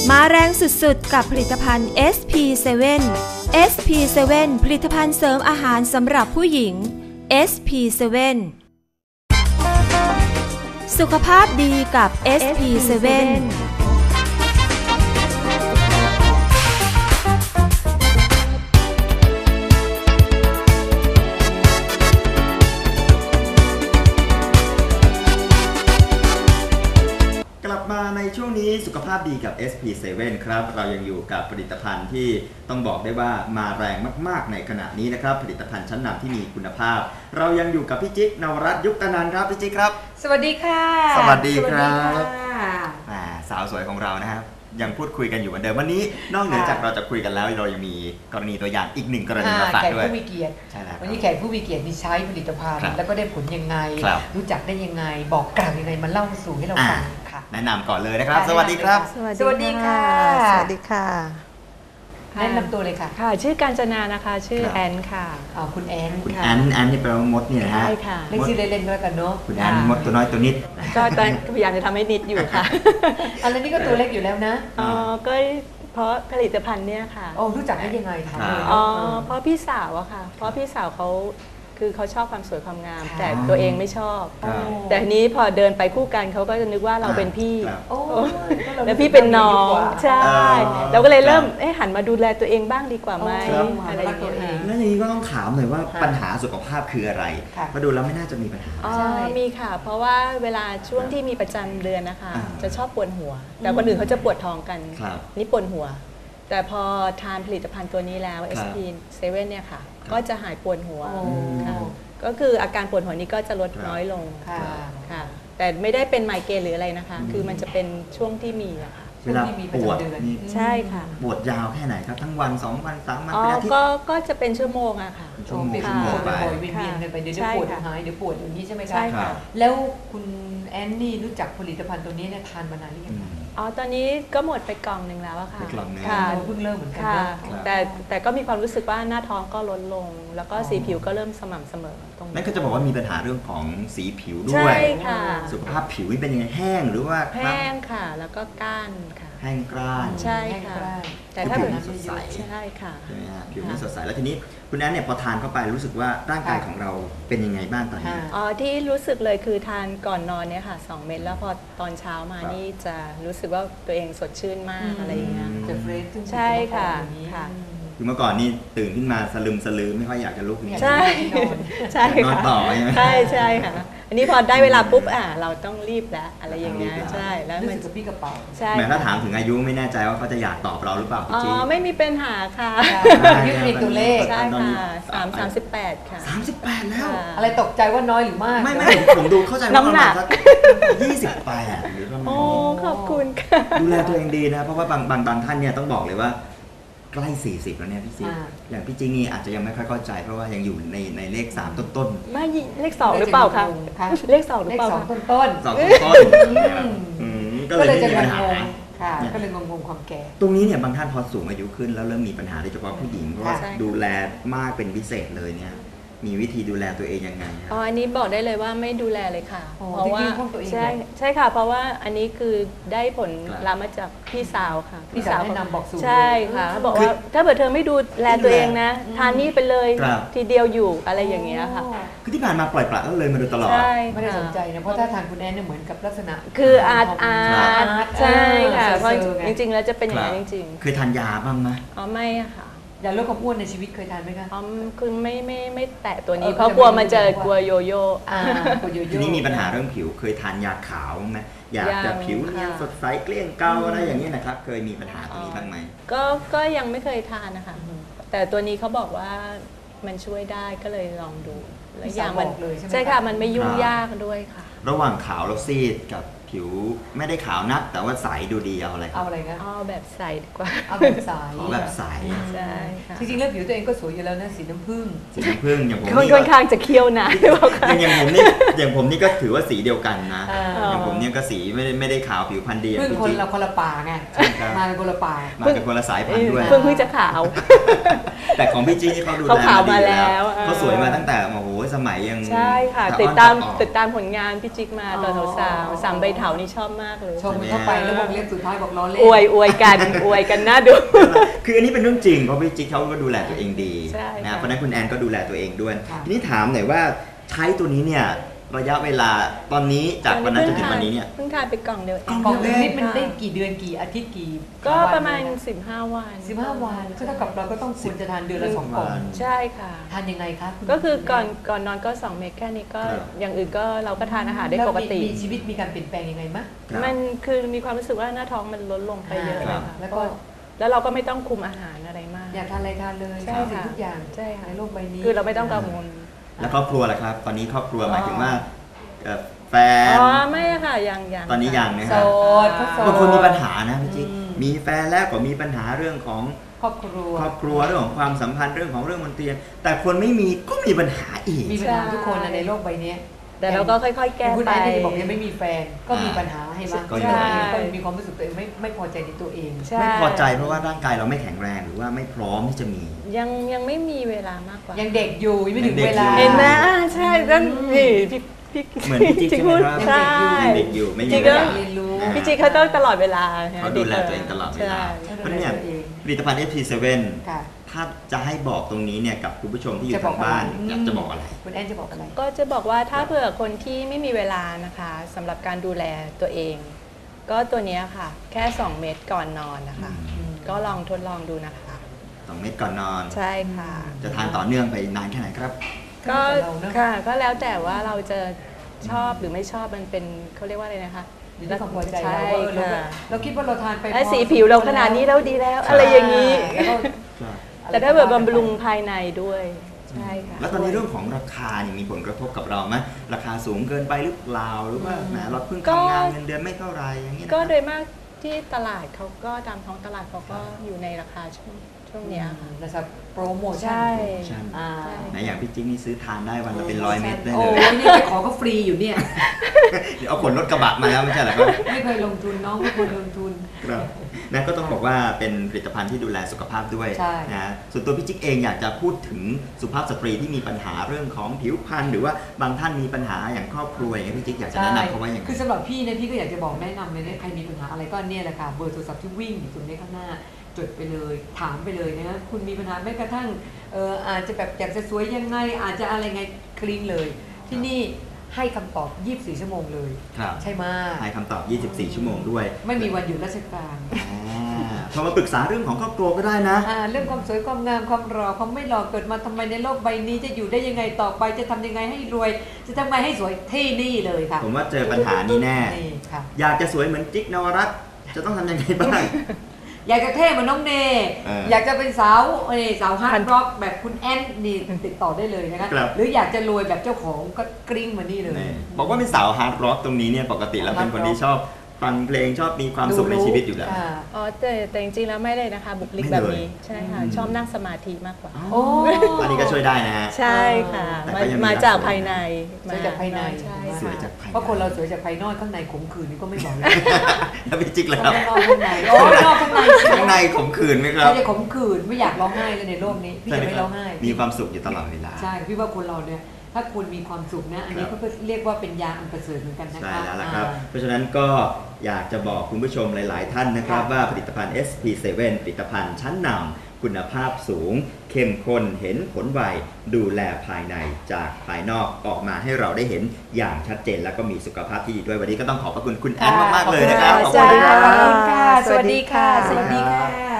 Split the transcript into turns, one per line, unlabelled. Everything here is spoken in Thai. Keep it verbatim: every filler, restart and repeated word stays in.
มาแรงสุดๆกับผลิตภัณฑ์ เอส พี เซเว่น เอส พี เซเว่น ผลิตภัณฑ์เสริมอาหารสำหรับผู้หญิง เอส พี เซเว่น สุขภาพดีกับ เอส พี เซเว่น
ในช่วงนี้สุขภาพดีกับ เอส พี เซเว่น ครับเรายังอยู่กับผลิตภัณฑ์ที่ต้องบอกได้ว่ามาแรงมากๆในขณะนี้นะครับผลิตภัณฑ์ชั้นนำที่มีคุณภาพเรายังอยู่กับพี่จิ๊กนวรัตน์ยุคตนันท์ครับพี่จิ๊กครับ
สวัสดีค่ะ
สวัสดีครับสาวสวยของเรานะครับยังพูดคุยกันอยู่เหมือนเดิมวันนี้นอกเหนือจากเราจะคุยกันแล้วเรายังมีกรณีตัวอย่างอีกหนึ่งกรณีมาฝากด้วย
แขกผู้มีเกียรติวันนี้แขกผู้มีเกียรตินี่ใช้ผลิตภัณฑ์แล้วก็ได้ผลยังไงรู้จักได้ยังไงบอกกล่าวยังไงมาเล่าสู่ให้เราฟังค่ะ
แนะนำก่อนเลยนะครับสวัสดีครับ
สวัสดีค่ะ
สวัสดีค่ะ
แนะนำตัวเลยค่ะ
ค่ะชื่อกาญจนานะคะชื่อแอนค่ะ
อ๋อคุณแอน
คุณแอนแอนนี่แปลว่ามดนี่นะฮะ
ใช่ค่ะ
เล่นชื่อเล่นๆก็แล้วกันเนาะ
คุณแอนมดตัวน้อยตัวนิด
ก็พยายามจะทำให้นิดอยู่ค่ะ
อันนี้ก็ตัวเล็กอยู่แล้วนะ
อ๋อก็เพราะผลิตภัณฑ์เนี่ยค่ะ
โอ้รู้จักได้ยังไงคะ
อ๋อเพราะพี่สาวอะค่ะเพราะพี่สาวเขาคือเขาชอบความสวยความงามแต่ตัวเองไม่ชอบแต่ทีนี้พอเดินไปคู่กันเขาก็จะนึกว่าเราเป็นพี่แล้วพี่เป็นน้องใช่เราก็เลยเริ่มเอ๊ะหันมาดูแลตัวเองบ้างดีกว่าไหมอะไรอย่างเงี้ย
แล้วอย่างนี้ก็ต้องถามหน่อยว่าปัญหาสุขภาพคืออะไรเพราะดูแล้วไม่น่าจะมีปัญหา
อ๋อมีค่ะเพราะว่าเวลาช่วงที่มีประจำเดือนนะคะจะชอบปวดหัวแต่คนอื่นเขาจะปวดท้องกันนี่ปวดหัวแต่พอทานผลิตภัณฑ์ตัวนี้แล้ว เอส พี เซเว่น เนี่ยค่ะก็จะหายปวดหัวค่ะก็คืออาการปวดหัวนี้ก็จะลดน้อยลงค่ะแต่ไม่ได้เป็นไมเกรนหรืออะไรนะคะคือมันจะเป็นช่วงที่มีอะค่ะ
เวลาปวดนี่
ใช่ค่ะ
ปวดยาวแค่ไหนครับทั้งวันสองวันสามวัน
เป็นอาทิตย์ก็ก็จะเป็นชั่วโมงอะค่ะ
ชั่วโมงชั่วโมงไปเวียนๆกันไปเดี๋ยวปวดหายเดี๋ยวปวดอย่างนี้ใช่ไหมคะใช่ค่ะแล้วคุณแอนนี่รู้จักผลิตภัณฑ์ตัวนี้เนี่ยทานมานานหรือยัง
อ๋อตอนนี้ก็หมดไปกล่องหนึ่งแล้วอะค่ะ
ค่ะเพิ่งเริ่มเหมือนกัน
แต่แต่ก็มีความรู้สึกว่าหน้าท้องก็ลดลงแล้วก็สีผิวก็เริ่มสม่ำเสมอตรง
นั่นก็จะบอกว่ามีปัญหาเรื่องของสีผิวด้วย
ใช่ค่ะ
สุขภาพผิวเป็นยังไงแห้งหรือว่า
แห้งค่ะแล้วก็ก้านค่ะ
แห้งกร้าน
ใช่ค่ะ
แต่ถ้าผิวสดใส
ใช่ค่ะ
ใช่ไหมฮะผิวไม่สดใสแล้วทีนี้คุณแอนเนี่ยพอทานเข้าไปรู้สึกว่าร่างกายของเราเป็นยังไงบ้างตอนนี้
อ๋อที่รู้สึกเลยคือทานก่อนนอนเนี่ยค่ะสองเม็ดแล้วพอตอนเช้ามานี่จะรู้สึกว่าตัวเองสดชื่นมากอะไรอย่างเงี้ย
จะเฟรช
ใช่ค่ะค่ะ
คือเมื่อก่อนนี่ตื่นขึ้นมาสลึมสลือไม่ค่อยอยากจะลุก
ใช่ใช่
นอนต่อใช่ไหม
ใช่ใช่ค่ะอันนี้พอได้เวลาปุ๊บอ่ะเราต้องรีบแล้วอะไรอย่างเงี้ยใช่แล้ว
มันจะพี่กระเป๋า
ใช่
แม้ถ้าถามถึงอายุไม่แน่ใจว่าเขาจะอยากตอบเราหรือเปล่า
อ๋อไม่มีปัญหาค่ะ
ยืดมีตัวเลข
ใช่ค่ะสามสามสิบแปดค่ะ
สามสิบแปดแล้ว
อะไรตกใจว่าน้อยหรือมาก
ไม่ไม่ผมดูเข้าใจว่าประมาณสักยี่สิบแปดหรือประมาณ
โอ้ขอบคุณค่ะ
ดูแลตัวเองดีนะเพราะว่าบางบางบางท่านเนี่ยต้องบอกเลยว่าใกล้สี่สิบแล้วเนี่ยพี่จิ๊กอย่างพี่จิ๊กนี่อาจจะยังไม่ค่อยเข้าใจเพราะว่ายังอยู่ในในเลขสามต้น
ๆไม่เลขสองหรือเปล่าคะเลขสองหรือเปล่า
สองต้นต้น
สองต้นก็เลยจะมีปัญหา
ค่ะก็เลยงงๆความแก่
ตรงนี้เนี่ยบางท่านพอสูงอายุขึ้นแล้วเริ่มมีปัญหาโดยเฉพาะผู้หญิงเพราะว่าดูแลมากเป็นพิเศษเลยเนี่ยมีวิธีดูแลตัวเองยังไง
อ๋ออันนี้บอกได้เลยว่าไม่ดูแลเลยค่ะเพราะว่าใช่ใช่ค่ะเพราะว่าอันนี้คือได้ผลลัพธ์มาจากพี่สาวค่ะ
พี่สาวแนะนำบอกสูตร
ใช่ค่ะเขาบอกว่าถ้าเกิดเธอไม่ดูแลตัวเองนะทานนี่ไปเลยทีเดียวอยู่อะไรอย่างเงี้ยค่ะ
คือที่ผ่านมาปล่อยปละแล้วเลยมาโดยตลอด
ไม่ได้สนใจนะเพราะถ้าทานคุณแอนเนี่ยเหมือนกับลักษณะ
คืออาร์ตอาร์ตใช่ค่ะเพราะจริงๆแล้วจะเป็นอย่างนั้นจริง
ๆเคยทานยาบ้างไหม
อ๋อไม่ค่ะ
ยาลดความอ้วนในชีวิตเคยทานไหมคะ
อ๋อคือไม่ไม่ไม่แตะตัวนี้เพราะกลัวมันจะกลัวโยโย่
ทีนี้มีปัญหาเรื่องผิวเคยทานยาขาวไหมอยากจะผิวเนียนสดใสเกลี้ยงเกลาอะไรอย่างนี้นะครับเคยมีปัญหาตรงนี้บ้างไหม
ก็ก็ยังไม่เคยทานนะคะแต่ตัวนี้เขาบอกว่ามันช่วยได้ก็เลยลองดูแล้วอย่างมันใช่ค่ะมันไม่ยุ่งยากด้วยค่ะ
ระหว่างขาวแล้วซีดกับผิวไม่ได้ขาวนักแต่ว่าใสดูดีเอาอะไร
เอาอะไรนะ
เอาแบบใสดีกว่า
เอาแบบใส
เอาแบบใส
ใช่
จริงๆแล้วผิวตัวเองก็สวยอยู่แล้วนะสีน้ำผึ้ง
สีน้ำผึ้งอย่างผม
นี่ค่อนข้างจะเคี้ยวนะ
อย่างผมนี่อย่างผมนี่ก็ถือว่าสีเดียวกันนะอย่างผมเนี่ยก็สีไม่ได้ไม่ได้ขาวผิวพรรณดี
พึ่งคนละคนละป่าไงมาเป็นคนละป่า
มาเป็นคนละสายพันธุ์ด้วย
เพิ่งเพิ่งจะขาว
แต่ของพี่จี้เขาดูแลมาแล้วเขาสวยมาตั้งแต่โอ้โหสมัยยัง
ใช่ค่ะติดตามติดตามผลงานพี่จิ๊กมาตอนสาวๆสามใบเถานี่ชอบมากเลย
ชมมันเข้าไปแล้ววงเล็บสุดท้ายบอกล้อเล่น
อวยอวยกันอวยกันน่าดู
คืออันนี้เป็นเรื่องจริงเพราะพี่จิ๊กเขาก็ดูแลตัวเองดี
ใช่
นะ
ค่ะ
เพราะฉะนั้นคุณแอนก็ดูแลตัวเองด้วย
ค่ะ
ทีนี้ถามหน่อยว่าใช้ตัวนี้เนี่ยระยะเวลาตอนนี้จากวันนั้นจนถึงวันนี้เนี่ย
เพิ่งทานไปกล่องเดียวเอง
กล่องนึงนี่มันได้กี่เดือนกี่อาทิตย์กี่
ก็
วัน
ประมาณ
เนี่ยน
สิบห้าวัน
สิบห้าวันก็เท่ากับเราก็ต้องควรจะทานเดือนละสองกล่อง
ใช่ค่ะ
ทานยังไงคะณ
ก็คือก่อนก่อนนอนก็สองเม็ดแค่นี้ก็
ครับ
อย่างอื่นก็เราก็ทานอาหารได้
แล้ว
ปกติ
มีชีวิตมีการเปลี่ยนแปลงยังไงมะ
ครับ
มันคือมีความรู้สึกว่าหน้าท้องมันลดลงไปเยอะเลย
ครั
ค่ะ
บ
แล้วก็
แล้วเราก็ไม่ต้องคุมอาหารอะไรมาก
อยากทานอะไรทานเลย
ใช่
ทุกสิ่ง
ค่ะ
ทุกอย่าง
ใช่ค่ะ
ในโลกใบนี้
คือเราไม่ต้องกังวล
แล้วครอบครัวล่ะครับ ตอนนี้ครอบครัวหมายถึงว่าเอ่อแฟน
อ๋อไม่อะค่ะยังยัง
ตอนนี้ยังนะค
โส
รับ
ดเขาโสด
บางคนมีปัญหานะพี่จิ๊ก
อืม
มีแฟนแล้วก็มีปัญหาเรื่องของ
ครอบครัว
ครอบครัวเรื่องของความสัมพันธ์เรื่องของเรื่องบนเตียงแต่คนไม่มีก็มีปัญหาอีก
มีปัญหาทุกคนนะในโลกใบนี้
แต่เราก็ค่อยๆ แก้
คุณ
ไป
ไอ้ที่บอกยังไม่มีแฟนก็มีปัญหาให้บ้าง
ก็
ใช่
มี
ก็มีความรู้สึกตัวเองไม่ไม่พอใจในตัวเอง
ใช่
ไม่พอใจเพราะว่าร่างกายเราไม่แข็งแรงหรือว่าไม่พร้อมที่จะมี
ยังยังไม่มีเวลามากกว่า
ยังเด็กอยู่ยังไม่ถึง
ยังเด็ก
เวลา
อยู่
เห็นไหมอ่าใช่นั่นนี่พี่พี่
เหมือนพี่จิ๊ก
พูด
ใช่ไหมครับ
ใช่
ยังเด็กอยู่ไม่มี
จิ๊ก
เว
ก็
ลา
เรียนรู้
อ่า
พี่จิ๊กเขาต้องตลอดเวลา
เขาดูแลตัวเองตลอดเวลา
ใช่
เพราะฉะนั้นเนี่ยผลิตภัณฑ์ เอส พี เซเว่น
ค่ะ
ถ้าจะให้บอกตรงนี้เนี่ยกับคุณผู้ชมที่อยู่
จะบอ
ทาก งบ้าน
อะไร
อยากจะบอกอะไร
คุณแอนจะบอกอะไร
ก็จะบอกว่าถ้าเผื่อคนที่ไม่มีเวลานะคะสำหรับการดูแลตัวเอง ก็ตัวเนี้ยค่ะ แค่ สอง เม็ดก่อนนอนนะคะ
อืม
ก็ลองทดลองดูนะคะ
สองเม็ดก่อนนอน
ใช่ค่ะ
จะทานต่อเนื่องไปนานแค่ไหนครับ
ก็
แล้วแต่เราเนอะ
ค่ะก็แล้วแต่ว่าเราจะชอบหรือไม่ชอบมันเป็นเขาเรียกว่าอะไรนะคะ
อยู่ที่ความพอใจ
ใช่
เราว่าเออเรา
ค่ะ
เราคิดว่าเราทานไป
และ
พอ
สีผิวเราขนาดนี้เราดีแล้ว อะไรอย่างนี้
แล้วก็
แต่ถ้าเกิดบำรุงภายในด้วยใช่ค่ะ
แล้วตอนนี้เรื่องของราคานี่มีผลกระทบกับเราไหมราคาสูงเกินไปหรือเปล่าหรือว่าแหมเราเพิ่งทำงานเงินเดือนไม่เท่าไหรอย่างนี้นะ
ก็โดยมากที่ตลาดเขาก็ตามท้องตลาดเขาก็อยู่ในราคาช่วงช่วงเนี้ยค่ะ
นะครับโปรโมชั่น
ใช่
ใช่
อ่า
ไหนอย่างพี่จิ๊กนี่ซื้อทานได้วันละเป็นร้อยเม็ดได้
โอ้
เลย
ยนี่ไปขอก็ฟรีอยู่เนี่ย
เดี๋ยวเอาขนรถกระบะมาแล้วไม่ใช่เหรอครับ
ไม่เคยลงทุนน้องไม่เคยลงทุน
ครับนั่นก็ต้องบอกว่าเป็นผลิตภัณฑ์ที่ดูแลสุขภาพด้วย
ใช่
นะส่วนตัวพี่จิ๊กเองอยากจะพูดถึงสุภาพสตรีที่มีปัญหาเรื่องของผิวพรรณหรือว่าบางท่านมีปัญหาอย่างครอบครัวอย่างเงี้ยพี่จิ๊กอยากจะแนะนำเขาว่าอย่างไร
คือสำหรับพี่เนี่ยพี่ก็อยากจะบอกแนะนำเลยเนี่ยใครมีปัญหาอะไรก็เนี่ยแหละค่ะเบอร์โทรศัพท์ที่วิ่งอยู่ตรงนี้ข้างหน้าจดไปเลยถามไปเลยนะคุณมีปัญหาแม้กระทั่งเอออาจจะแบบอยากจะสวยยังไงอาจจะอะไรไงคลีนเลย ที่นี่ให้คำตอบยี่สิบสี่ชั่วโมงเลย
ครับ
ใช่ไหม
ให้คำตอบยี่สิบสี่ชั่วโมงด้วย
ไม่มีวันหยุดราชการ
อ่าโทรมาปรึกษาเรื่องของครอบครัวก็ได้นะ
อ่าเรื่องความสวยความงามความหล่อความไม่หล่อเกิดมาทำไมในโลกใบนี้จะอยู่ได้ยังไงต่อไปจะทำยังไงให้รวย จะทำไงให้สวยที่นี่เลยค่ะ
ผมว่าเจอปัญหานี้แน่
นี่ค่ะ
อยากจะสวยเหมือนจิ๊กนวรัตน์จะต้องทำยังไงบ้าง
อยากจะเท่เหมือนน้องเน
เออ
อยากจะเป็นสาวเอ้ยสาวฮาร์ดร็อกแบบคุณแอนนี่ติดต่อได้เลยนะคะ
ครับ
หรืออยากจะรวยแบบเจ้าของก็กริ้งมานี่เลย
นี่บอกว่าเป็นสาวฮาร์ดร็อกตรงนี้เนี่ยปกติแล้วเป็นคนที่ชอบฟังเพลงชอบมีความสุขในชีวิตอยู่แล้ว
ค่ะ
อ๋อแต่แต่จริงๆแล้วไม่เลยนะคะ บุคลิก
ไม่
แบบ
เลย
นี้ใช่ค่ะ
อืม
ชอบนั่งสมาธิมากกว่า
โอ้
อันนี้ก็ช่วยได้นะฮะ
ใช่ค่ะ
แต่
มา
ก็ยังมี
มาจาก
รักสวย
ภายใน
สวยจากภายใน
ใช่
สวย
ค่ะ
จากภายใน
เพราะคนเราสวยจากภายนอกข้างในขมขื่นนี่ก็ไม่บอกเลย
แล้วพี่จิ๊กแล้ว
ข้างนอกข้างในโอ้ยนอกข้างใน
ข้างในขมขื่นไหมครับ
ไม่ได้ขมขื่นไม่อยากร้องไห้เลยในโลกนี้พี่จะไม่ร้องไห้
มีความสุขอยู่ตลอดเวลา
ใช่พี่ว่าคนเราเนี่ยถ้าคุณมีความสุขนะอันนี้
ครับ
ก็เรียกว่าเป็นยาอันประเสริฐเหมือนกันนะคะ
ใช่แล้วล่ะครับ
อ่า
เพราะฉะนั้นก็อยากจะบอกคุณผู้ชมหลาย ๆ ท่านนะครับ
ค่ะ
ว่าผลิตภัณฑ์ เอส พี เซเว่น ผลิตภัณฑ์ชั้นนำคุณภาพสูง เข้มข้นเห็นผลไวดูแลภายในจากภายนอกออกมาให้เราได้เห็นอย่างชัดเจนแล้วก็มีสุขภาพที่ดีด้วยวันนี้ก็ต้องขอบพระคุณคุณแอนมาก ๆ เลยนะครับ
ขอบคุณ
ขอบคุณ
ค่ะ
ครับ
ขอบคุณค่ะ สวัสดีค่ะ
สวัสดีค่ะ
สวัสดีค่ะ